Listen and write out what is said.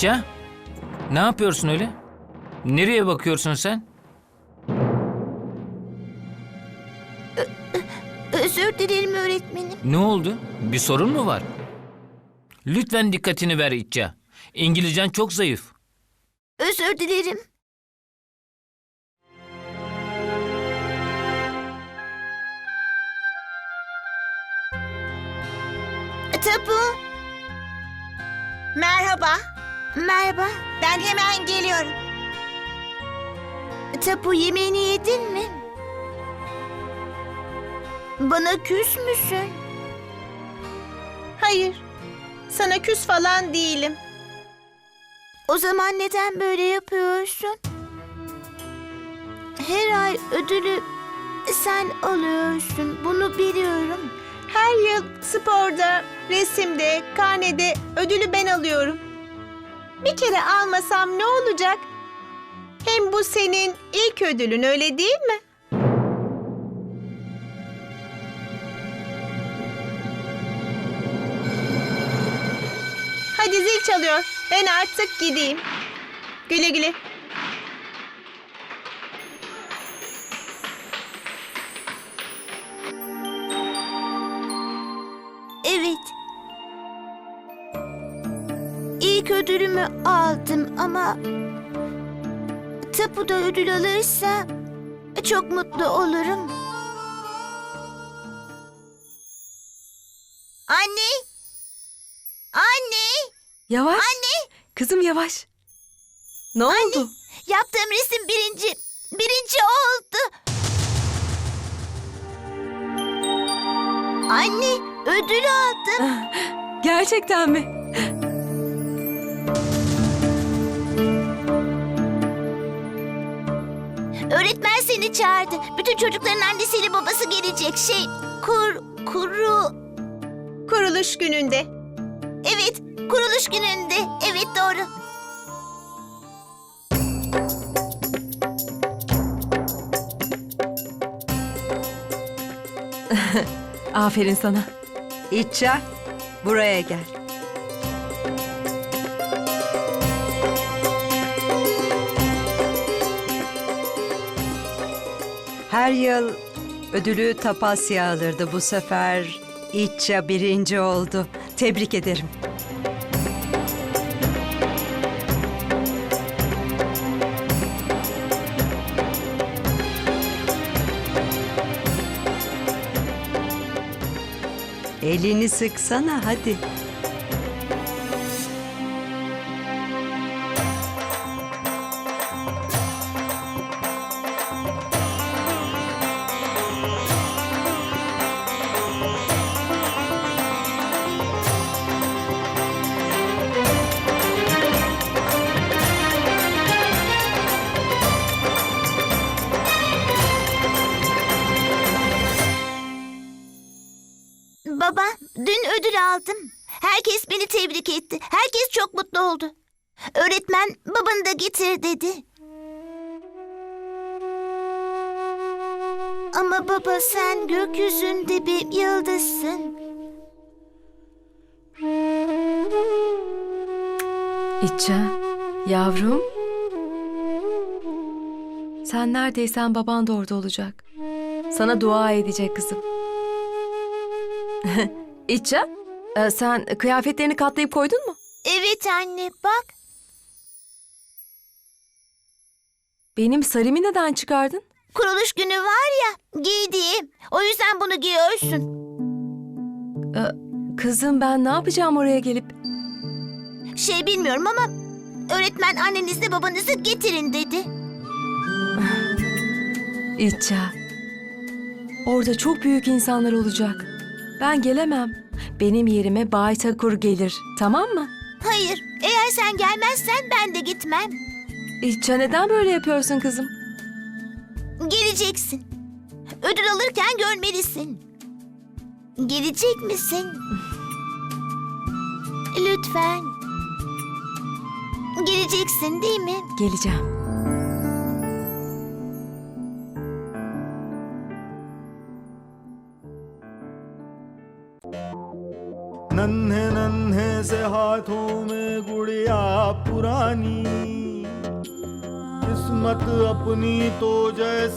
İtça, ne yapıyorsun öyle? Nereye bakıyorsun sen? Özür dilerim öğretmenim. Ne oldu? Bir sorun mu var? Lütfen dikkatini ver İtça. İngilizcen çok zayıf. Özür dilerim. Tapu. Merhaba, Merhaba. ben hemen geliyorum. Tapu, yemeğini yedin mi? Bana küs müsün? Hayır, sana küs falan değilim. O zaman neden böyle yapıyorsun? Her ay ödülü sen alıyorsun. Bunu biliyorum. Her yıl sporda, resimde, karnede ödülü ben alıyorum. Bir kere almasam ne olacak? Hem bu senin ilk ödülün, öyle değil mi? Hadi zil çalıyor. Ben artık gideyim. Güle güle. Evet. İlk ödülümü aldım ama Tapu da ödül alırsa çok mutlu olurum. Anne! Anne! Yavaş. Anne! Kızım yavaş. Ne oldu? Yaptığım resim birinci oldu. Anne, ödül aldım. Gerçekten mi? Öğretmen seni çağırdı. Bütün çocukların annesiyle babası gelecek. Kuruluş gününde. Evet, kuruluş gününde. Evet, doğru. Aferin sana. İtça, buraya gel. Her yıl ödülü Tapasya alırdı. Bu sefer İtça birinci oldu. Tebrik ederim. Elini sıksana hadi. Baba, dün ödül aldım. Herkes beni tebrik etti. Herkes çok mutlu oldu. Öğretmen babanı da getir dedi. Ama baba, sen gökyüzünde bir yıldızsın. İtça, yavrum. Sen neredeysen baban da orada olacak. Sana dua edecek kızım. İtça, sen kıyafetlerini katlayıp koydun mu? Evet anne, bak. Benim sarımı neden çıkardın? Kuruluş günü var ya, giydiğim. O yüzden bunu giyiyorsun. Kızım ben ne yapacağım oraya gelip? Bilmiyorum ama öğretmen annenizle babanızı getirin dedi. İtça, orada çok büyük insanlar olacak. Ben gelemem. Benim yerime Bay Takur gelir, tamam mı? Hayır, eğer sen gelmezsen ben de gitmem. İtça neden böyle yapıyorsun kızım? Geleceksin. Ödül alırken görmelisin. Gelecek misin? Lütfen. Geleceksin değil mi? Geleceğim. नन्हे नन्हे से हाथों में गुड़िया पुरानी, किस्मत अपनी तो जैसे